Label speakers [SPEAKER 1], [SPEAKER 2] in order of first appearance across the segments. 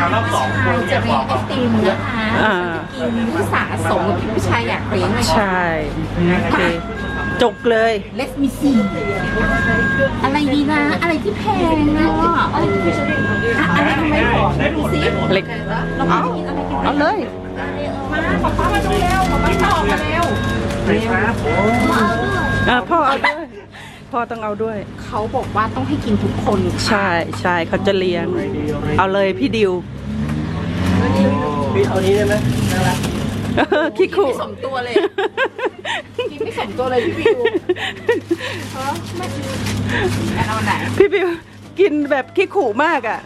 [SPEAKER 1] รอบสองคน
[SPEAKER 2] จะเลี้ยงไอติมนะคะกินผู้สะสมกับพี่ผู้ชายอยากเลี้ยงเลย
[SPEAKER 3] ใช่โอเคจกเลย
[SPEAKER 2] เลสมิซีอะไรดีนะ อะไรที่แพงนะอะไรทำไมหรอดูสิ
[SPEAKER 3] เล็ก
[SPEAKER 2] เราไปกินอะไรกัน
[SPEAKER 3] เอาเลย
[SPEAKER 2] มาป๊ามาดูเร็วป๊าต่อมาเร็ว
[SPEAKER 1] ครับโอ้
[SPEAKER 3] พ่อเอาด้วยพ่อต้องเอาด้วย
[SPEAKER 2] เขาบอกว่าต้องให้กินทุกคน
[SPEAKER 3] ใช่ใช่เขาจะเลี้ยง เอาเลยพี่ดิว
[SPEAKER 1] พี่เอานี้ได้ไหมน่ารัก
[SPEAKER 3] ขี้
[SPEAKER 2] กิน
[SPEAKER 3] ขู่
[SPEAKER 2] ไม่สมตัวเลยกินไม่สมตัวเลยพี่วิวไม่เอาไหน
[SPEAKER 3] พี่บิวกินแบบขี้ขู่มากอ่ะ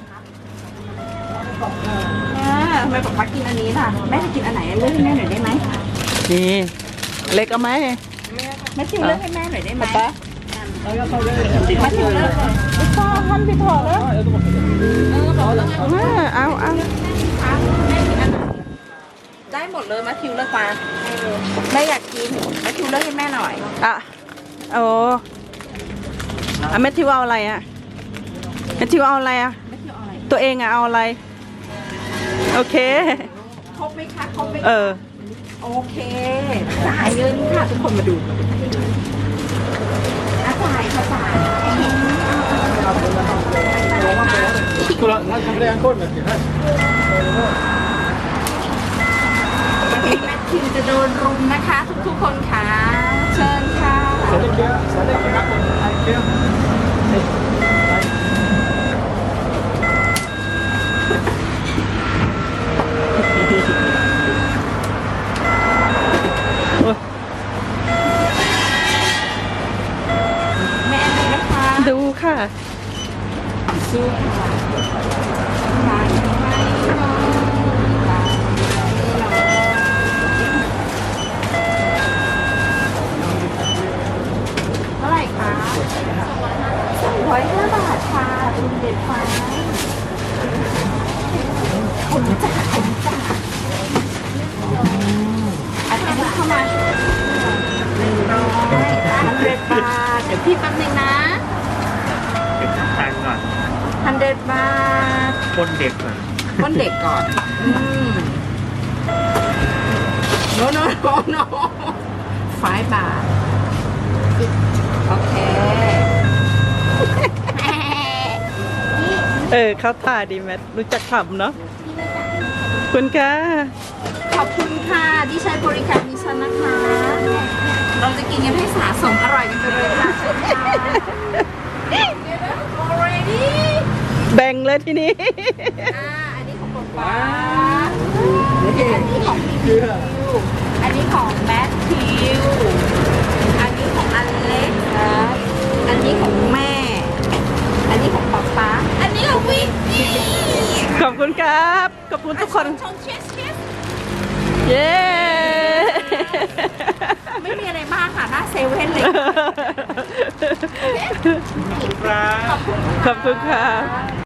[SPEAKER 2] ทำไมป๊ากินอันนี้ล่ะแม่จะกินอันไหนเลือกให้แม่หน่อยได้ไหม
[SPEAKER 3] นี่เล็กเอาไหม
[SPEAKER 2] แม่ชิวเลือกให้แม่หน่อยได้ไหม
[SPEAKER 3] ป๊า
[SPEAKER 2] มาชิวเลือกเลยไม่ชอบทำผิดถอดแล้วบอกแล้วไง
[SPEAKER 3] เอา
[SPEAKER 2] แม่กินอันไหนได้หมดเลยมาชิวเลือกมาแม่อยากกินมาชิวเลือกให้แม่หน่อย
[SPEAKER 3] อ่ะโอ้แมทธิวเอาอะไรอ่ะแมทธิวเอาอะไรอ่ะ
[SPEAKER 2] แม่ชิวเอาอะไร
[SPEAKER 3] ตัวเองอ่ะเอาอะไรโอเค
[SPEAKER 2] ครบไหมคะครบไหม
[SPEAKER 3] เออ
[SPEAKER 2] โอเคจ่ายเงินค่ะทุกคนมาดูจ่ายค่ะจ่าย
[SPEAKER 1] คุณละนั่งทำได้ยังคนแบบนี้
[SPEAKER 2] แมทธิวจะโดนรุมนะคะทุกๆคนค่ะเชิญค่ะ
[SPEAKER 1] สวัสดีครับสวัสดีครับเกี่ยว
[SPEAKER 2] แม่ดูนะคะ
[SPEAKER 3] ดูค่ะ
[SPEAKER 2] สู้เท่าไหร่คะ205 บาทค่ะคุณเด็ดฟ้าผมจ่ายอันนี้เข้ามา100 บาทเดี๋ยวพี่แป๊บนึงนะ
[SPEAKER 1] เก็บตังค์ก่อน
[SPEAKER 2] 100 บาท
[SPEAKER 1] คนเด็กก่อน
[SPEAKER 2] ก้นเด็กก่อนโน5 บาท โอเค
[SPEAKER 3] เขาท่าดีแมทรู้จักขำเนาะคุณค่ะ
[SPEAKER 2] ขอบคุณค่ะที่ใช้บริการดิฉันนะคะ เราจะกินกันให้สะสมอร่อยกันไปเลยค่ะเชิญค่ะ already
[SPEAKER 3] แบ่งเลยทีนี้
[SPEAKER 2] อันนี้ของป๊าอันนี้ของพี่บิวอันนี้ของแมทธิวอันนี้ของอเล็กซ์อันนี้ของแม่ อันนี้ของป๊าอันนี้ของวิกกี้
[SPEAKER 3] ขอบคุณครับ ขอบคุณทุกคน
[SPEAKER 2] ชงเชียส
[SPEAKER 3] เย้
[SPEAKER 2] ไม่มีอะไรมากค่ะหน้าเซเว่นเลย
[SPEAKER 1] ครับ
[SPEAKER 3] ขอบคุณค่ะ